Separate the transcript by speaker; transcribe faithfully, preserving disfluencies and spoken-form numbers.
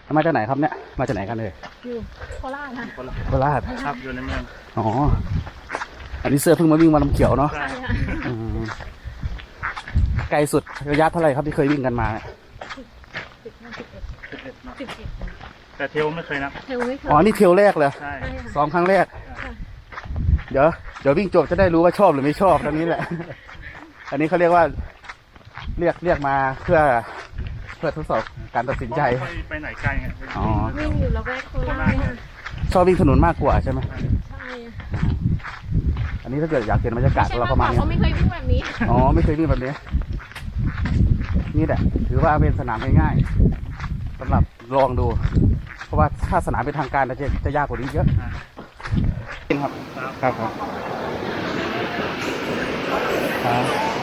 Speaker 1: มาจากไหนครับเนี่ยมาจากไหนกันเลย
Speaker 2: อยู่โคราชค่ะ
Speaker 1: โคราช
Speaker 3: ครับอยู่ในเมือง
Speaker 1: อ๋ออันนี้เสื้อเพิ่งมาวิ่งมาลำเขียวเนาะไกลสุดระยะเท่าไหร่ครับที่เคยวิ่งกันมา
Speaker 2: สิบห้าสิบเอ็ดสิบเอ็ดสิบเอ็ด
Speaker 3: แต่เทลไม่เคยนะ
Speaker 2: เทลไม่เคย
Speaker 1: อ๋อนี่เทลแรกเลย
Speaker 3: ใช่
Speaker 1: ซ้อมครั้งแรกเดี๋ยวเดี๋ยววิ่งจบจะได้รู้ว่าชอบหรือไม่ชอบตรงนี้แหละอันนี้เขาเรียกว่าเรียกเรียกมาเพื่อเพื่อทดสอบการตัดสินใจ
Speaker 3: ไปไหนไกลไง
Speaker 1: อ๋อ
Speaker 2: วิ่งอยู่ละแวกโคราช
Speaker 1: ชอบวิ่งถนนมากกว่าใช่ไหม
Speaker 2: ใช่
Speaker 1: อันนี้ถ้าเกิดอยากเห็นบรรยากาศเราก็มาเนี่ย
Speaker 2: เขาไม่เคยวิ่งแบบนี้
Speaker 1: อ๋อไม่เคยวิ่งแบบนี้นี่แหละถือว่าเป็นสนามง่ายๆสำหรับลองดูเพราะว่าถ้าสนามเป็นทางการจะจะยากกว่านี้เยอะครับครับครับ